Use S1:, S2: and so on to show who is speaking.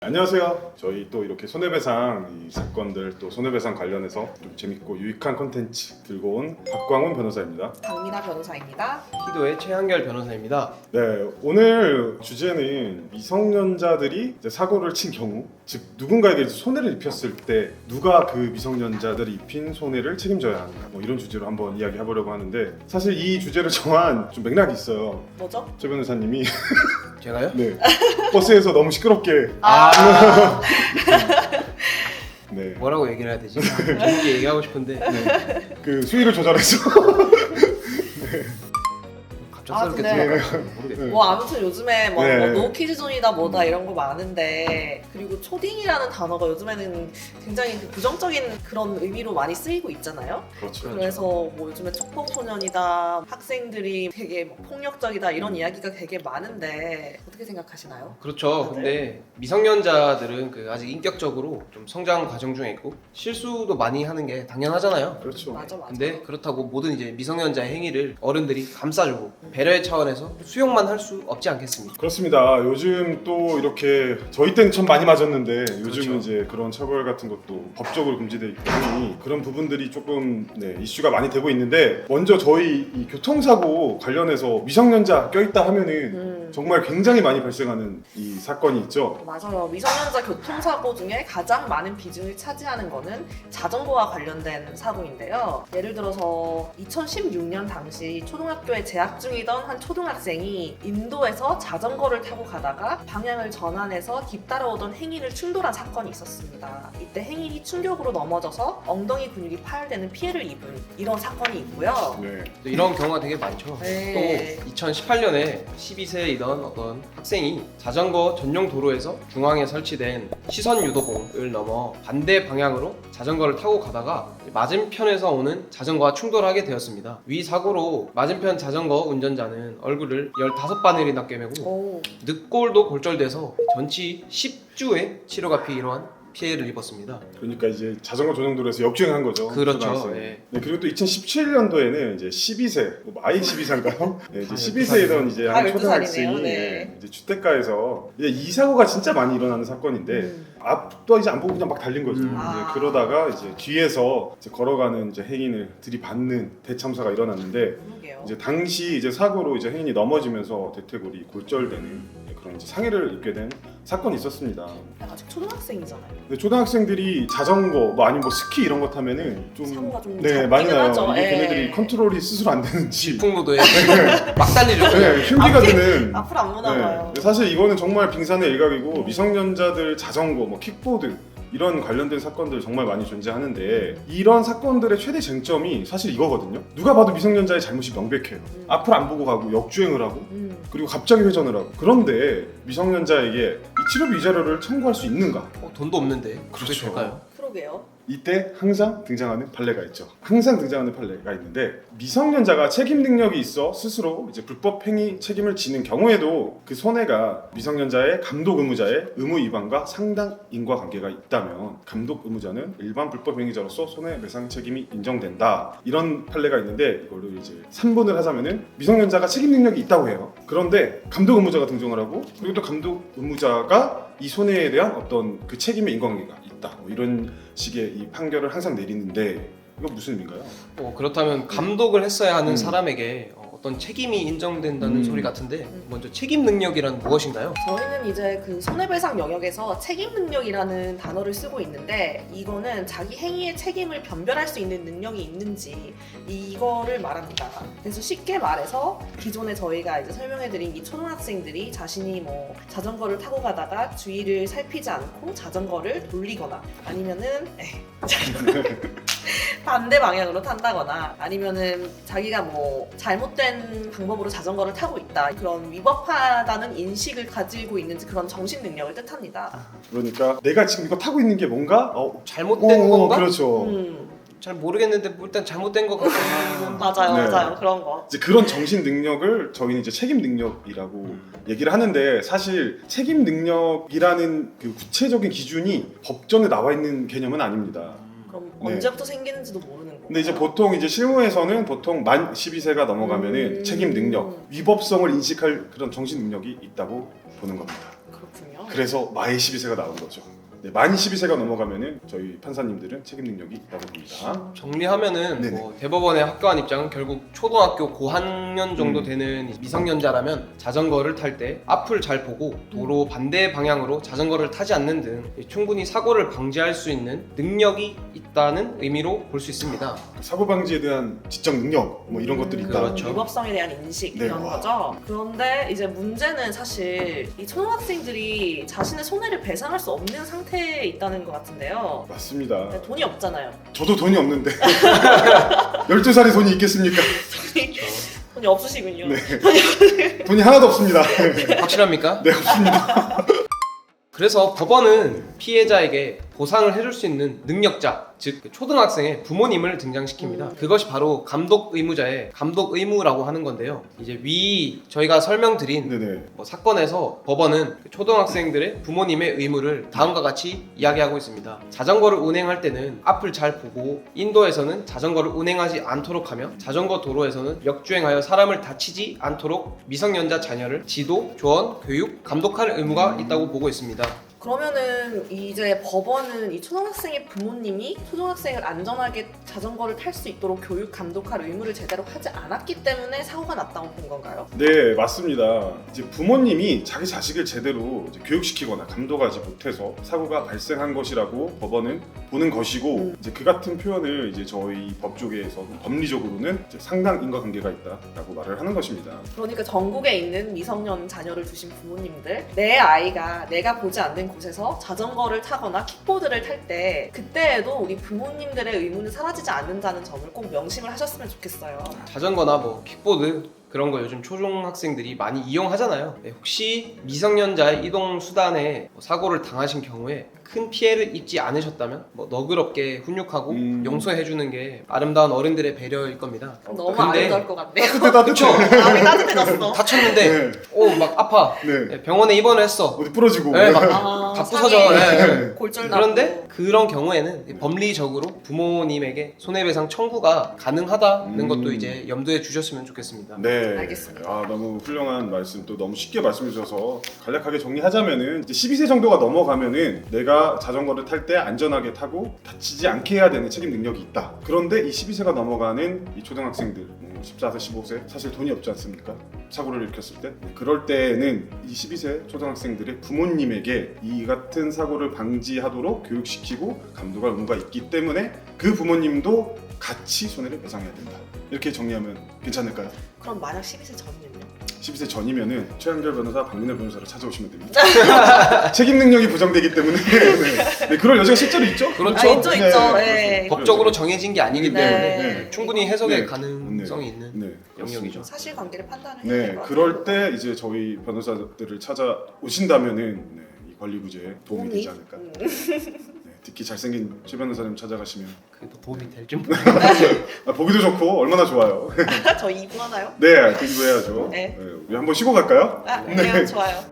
S1: 안녕하세요. 저희 또 이렇게 손해배상 이 사건들 또 손해배상 관련해서 좀 재밌고 유익한 콘텐츠 들고 온 박광훈 변호사입니다.
S2: 강민아 변호사입니다.
S3: 희도의 최한결 변호사입니다.
S1: 네, 오늘 주제는 미성년자들이 이제 사고를 친 경우, 즉 누군가에게 손해를 입혔을 때 누가 그 미성년자들이 입힌 손해를 책임져야 하는가, 뭐 이런 주제로 한번 이야기해 보려고 하는데, 사실 이 주제를 정한 좀 맥락이 있어요.
S2: 뭐죠?
S1: 최 변호사님이
S3: 제가요?
S1: 네, 버스에서 너무 시끄럽게 네,
S3: 뭐라고 얘기를 해야 되지? 재밌게 얘기하고 싶은데
S1: 그 수위를 조절해서
S3: 갑작스럽게
S2: 근데-
S3: 들어가서 모르겠어요.
S1: 네.
S2: 뭐 아무튼 요즘에 뭐,
S1: 네.
S2: 노키즈존이다 뭐다 이런 거 많은데, 그리고 초딩이라는 단어가 요즘에는 굉장히 그 부정적인 그런 의미로 많이 쓰이고 있잖아요.
S1: 그렇죠.
S2: 그래서 뭐 요즘에 촉법소년이다, 학생들이 되게 뭐 폭력적이다 이런 이야기가 되게 많은데 어떻게 생각하시나요?
S3: 그렇죠.
S2: 다들?
S3: 근데 미성년자들은 그 아직 인격적으로 좀 성장 과정 중에 있고 실수도 많이 하는 게 당연하잖아요.
S1: 그렇죠.
S2: 맞아.
S3: 근데 그렇다고 모든 이제 미성년자의 행위를 어른들이 감싸주고 배려의 차원에서 수용만 할 수 없지 않겠습니까?
S1: 그렇습니다. 요즘 또 이렇게 저희 때는 참 많이 맞았는데 요즘은
S3: 그렇죠.
S1: 이제 그런 처벌 같은 것도 법적으로 금지되어 있기 때문에 그런 부분들이 조금 이슈가 많이 되고 있는데, 먼저 저희 이 교통사고 관련해서 미성년자 껴있다 하면은 정말 굉장히 많이 발생하는 이 사건이 있죠.
S2: 맞아요. 미성년자 교통사고 중에 가장 많은 비중을 차지하는 거는 자전거와 관련된 사고인데요. 예를 들어서 2016년 당시 초등학교에 재학 중이던 한 초등학생이 인도에서 자전거를 타고 가다가 방향을 전환해서 뒤따라오던 행인을 충돌한 사건이 있었습니다. 이때 행인이 충격으로 넘어져서 엉덩이 근육이 파열되는 피해를 입은 이런 사건이 있고요.
S1: 네.
S3: 또 이런 경우가 되게 많죠.
S2: 네.
S3: 또 2018년에 12세이던 어떤 학생이 자전거 전용 도로에서 중앙에 설치된 시선 유도봉을 넘어 반대 방향으로 자전거를 타고 가다가 맞은편에서 오는 자전거와 충돌하게 되었습니다. 위 사고로 맞은편 자전거 운전자는 얼굴을 15바늘이나 꿰매고
S2: 오,
S3: 늑골도 골절돼서 전치 10주의 치료가 필요한 피해를 입었습니다.
S1: 그러니까 이제 자전거 전용도로에서 역주행한 거죠.
S3: 그렇죠.
S1: 초등학생.
S3: 예.
S1: 네, 그리고 또 2017년도에는 이제 12세, 뭐 마이 12세인가요? 네, 이제
S3: 아,
S1: 12세이던 이제 한
S2: 12살이네요.
S1: 초등학생이
S2: 네.
S1: 이제 주택가에서 이제 이 사고가 진짜 많이 일어나는 사건인데, 앞도 이제 안 보고 그냥 막 달린 거죠.
S2: 아.
S1: 이제 그러다가 이제 뒤에서 이제 걸어가는 이제 행인을 들이받는 대참사가 일어났는데,
S2: 그러게요.
S1: 이제 당시 이제 사고로 이제 행인이 넘어지면서 대퇴골이 골절되는 그런 이제 상해를 입게 된 사건이 있었습니다.
S2: 아직 초등학생이잖아요.
S1: 근데 초등학생들이 자전거 뭐 아니면 뭐 스키 이런 것 타면은 좀
S2: 사고가 좀
S1: 네, 많이
S2: 잦기는
S1: 나요.
S2: 하죠.
S1: 이게
S2: 예.
S1: 걔네들이 컨트롤이 스스로 안 되는지
S3: 풍무도에 막 달리죠.
S1: 네, 흉기가 드는.
S2: 앞으로 안 보나 봐요.
S1: 네, 사실 이거는 정말 빙산의 일각이고, 미성년자들 자전거, 뭐 킥보드 이런 관련된 사건들 정말 많이 존재하는데, 이런 사건들의 최대 쟁점이 사실 이거거든요. 누가 봐도 미성년자의 잘못이 명백해요. 앞을 안 보고 가고 역주행을 하고 그리고 갑자기 회전을 하고. 그런데 미성년자에게 이 치료비 위자료를 청구할 수 있는가?
S3: 돈도 없는데 그렇게
S1: 그렇죠.
S3: 될까요?
S2: 그러게요.
S1: 이때 항상 등장하는 판례가 있죠. 항상 등장하는 판례가 있는데, 미성년자가 책임 능력이 있어 스스로 이제 불법 행위 책임을 지는 경우에도 그 손해가 미성년자의 감독 의무자의 의무 위반과 상당 인과관계가 있다면 감독 의무자는 일반 불법 행위자로서 손해배상 책임이 인정된다. 이런 판례가 있는데, 이걸로 이제 3분을 하자면은 미성년자가 책임 능력이 있다고 해요. 그런데 감독 의무자가 등장을 하고, 그리고 또 감독 의무자가 이 손해에 대한 어떤 그 책임의 인과관계가 있다. 뭐 이런 식의 이 판결을 항상 내리는데, 이거 무슨 의미인가요?
S3: 그렇다면 감독을 했어야 하는
S1: 음.
S3: 사람에게 어떤 책임이 인정된다는
S1: 음.
S3: 소리 같은데, 먼저 책임 능력이란 무엇인가요?
S2: 저희는 이제 그 손해배상 영역에서 책임 능력이라는 단어를 쓰고 있는데, 이거는 자기 행위의 책임을 변별할 수 있는 능력이 있는지 이거를 말합니다. 그래서 쉽게 말해서 기존에 저희가 이제 설명해드린 이 초등학생들이 자신이 뭐 자전거를 타고 가다가 주위를 살피지 않고 자전거를 돌리거나, 아니면은 반대 방향으로 탄다거나, 아니면은 자기가 뭐 잘못된 방법으로 자전거를 타고 있다, 그런 위법하다는 인식을 가지고 있는지, 그런 정신 능력을 뜻합니다.
S1: 그러니까 내가 지금 이거 타고 있는 게 뭔가?
S3: 잘못된 건가?
S1: 그렇죠.
S3: 잘 모르겠는데 뭐 일단 잘못된 것 같아요.
S2: 맞아요,
S1: 네.
S2: 맞아요. 그런 거.
S1: 이제 그런 정신 능력을 저희는 이제 책임 능력이라고 얘기를 하는데, 사실 책임 능력이라는 그 구체적인 기준이 법전에 나와 있는 개념은 아닙니다.
S2: 그럼
S1: 네.
S2: 언제부터 생기는지도 모르는 거.
S1: 근데 이제 보통 이제 실무에서는 보통 만 12세가 넘어가면은 책임 능력, 위법성을 인식할 그런 정신 능력이 있다고 보는 겁니다.
S2: 그렇군요.
S1: 그래서 마의 12세가 나온 거죠. 네, 만 12세가 넘어가면은 저희 판사님들은 책임 능력이 있다고 봅니다.
S3: 정리하면은
S1: 네네.
S3: 뭐 대법원의 학교안 입장은 결국 초등학교 고학년 정도 되는 미성년자라면 자전거를 탈 때 앞을 잘 보고 도로 반대 방향으로 자전거를 타지 않는 등 충분히 사고를 방지할 수 있는 능력이 있다는 의미로 볼 수 있습니다.
S1: 사고 방지에 대한 지적 능력 뭐 이런 것들이 있다.
S3: 그렇죠.
S2: 위법성에 대한 인식
S1: 네,
S2: 이런
S1: 와.
S2: 거죠. 그런데 이제 문제는 사실 이 초등학생들이 자신의 손해를 배상할 수 없는 상태에 있다는 것 같은데요.
S1: 맞습니다.
S2: 네, 돈이 없잖아요.
S1: 저도 돈이 없는데 12살에 돈이 있겠습니까?
S2: 돈이 없으시군요.
S1: 네. 돈이 하나도 없습니다.
S3: 확실합니까?
S1: 네, 없습니다.
S3: 그래서 법원은 피해자에게 보상을 해줄 수 있는 능력자, 즉 초등학생의 부모님을 등장시킵니다. 그것이 바로 감독 의무자의 감독 의무라고 하는 건데요. 이제 위 저희가 설명드린
S1: 네네.
S3: 뭐 사건에서 법원은 초등학생들의 부모님의 의무를 다음과 같이 이야기하고 있습니다. 자전거를 운행할 때는 앞을 잘 보고 인도에서는 자전거를 운행하지 않도록 하며 자전거 도로에서는 역주행하여 사람을 다치지 않도록 미성년자 자녀를 지도, 조언, 교육, 감독할 의무가 있다고 보고 있습니다.
S2: 그러면은 이제 법원은 이 초등학생의 부모님이 초등학생을 안전하게 자전거를 탈 수 있도록 교육 감독할 의무를 제대로 하지 않았기 때문에 사고가 났다고 본 건가요?
S1: 네, 맞습니다. 이제 부모님이 자기 자식을 제대로 이제 교육시키거나 감독하지 못해서 사고가 발생한 것이라고 법원은 보는 것이고, 이제 그 같은 표현을 이제 저희 법조계에서 법리적으로는 이제 상당 인과관계가 있다라고 말을 하는 것입니다.
S2: 그러니까 전국에 있는 미성년 자녀를 두신 부모님들, 내 아이가 내가 보지 않는 곳에서 자전거를 타거나 킥보드를 탈 때 그때에도 우리 부모님들의 의무는 사라지지 않는다는 점을 꼭 명심을 하셨으면 좋겠어요.
S3: 자전거나 뭐 킥보드 그런 거 요즘 초중학생들이 많이 이용하잖아요. 네, 혹시 미성년자의 이동 수단에 사고를 당하신 경우에 큰 피해를 입지 않으셨다면 뭐 너그럽게 훈육하고 용서해주는 게 아름다운 어른들의 배려일 겁니다.
S2: 너무
S3: 근데-
S2: 아름다울 것 같네요.
S3: 그쵸?
S2: 마음이 따뜻해졌어.
S3: 다쳤는데
S1: 네.
S3: 막 아파.
S1: 네.
S3: 네, 병원에 입원을 했어.
S1: 어디 부러지고.
S3: 네, 막
S2: 다
S3: 부서져. 네.
S2: 골절 나고.
S3: 그런데 그런 경우에는 법리적으로 부모님에게 손해배상 청구가 가능하다는 것도 이제 염두에 주셨으면 좋겠습니다.
S1: 네,
S2: 알겠습니다.
S1: 아, 너무 훌륭한 말씀, 또 너무 쉽게 말씀해 주셔서 간략하게 정리하자면은 이제 12세 정도가 넘어가면은 내가 자전거를 탈 때 안전하게 타고 다치지 않게 해야 되는 책임 능력이 있다. 그런데 이 12세가 넘어가는 이 초등학생들, 14세, 15세 사실 돈이 없지 않습니까? 사고를 일으켰을 때. 그럴 때는 이 12세 초등학생들의 부모님에게 이 같은 사고를 방지하도록 교육시키고 감독할 의무가 있기 때문에 그 부모님도 같이 손해를 배상해야 된다. 이렇게 정리하면 괜찮을까요?
S2: 그럼 만약 12세 전이면요?
S1: 12세 전이면은 최한결 변호사, 박민혜 변호사를 찾아오시면 됩니다. 책임 능력이 부정되기 때문에 네, 그럴 여지가 실제로 있죠.
S3: 그렇죠.
S2: 아, 있죠, 있죠.
S1: 네,
S2: 네.
S3: 법적으로 정해진 게 아니기
S2: 네.
S3: 때문에
S1: 네.
S3: 충분히 해석의
S1: 네.
S3: 가능성이 있는
S1: 네,
S3: 영역이죠.
S2: 사실관계를 판단을 해야
S1: 네,
S2: 될 것 같아요.
S1: 그럴 때 이제 저희 변호사들을 찾아오신다면은 네, 이 권리 구제에 도움이 되지 않을까. 네, 특히 잘생긴 최 변호사님 찾아가시면
S3: 그래도 도움이 될줄 모르겠어요.
S1: 보기도 좋고 얼마나 좋아요.
S2: 저 2부 하나요?
S1: 네, 공부해야죠.
S2: 네.
S1: 우리 한번 쉬고 갈까요?
S2: 아, 네, 좋아요.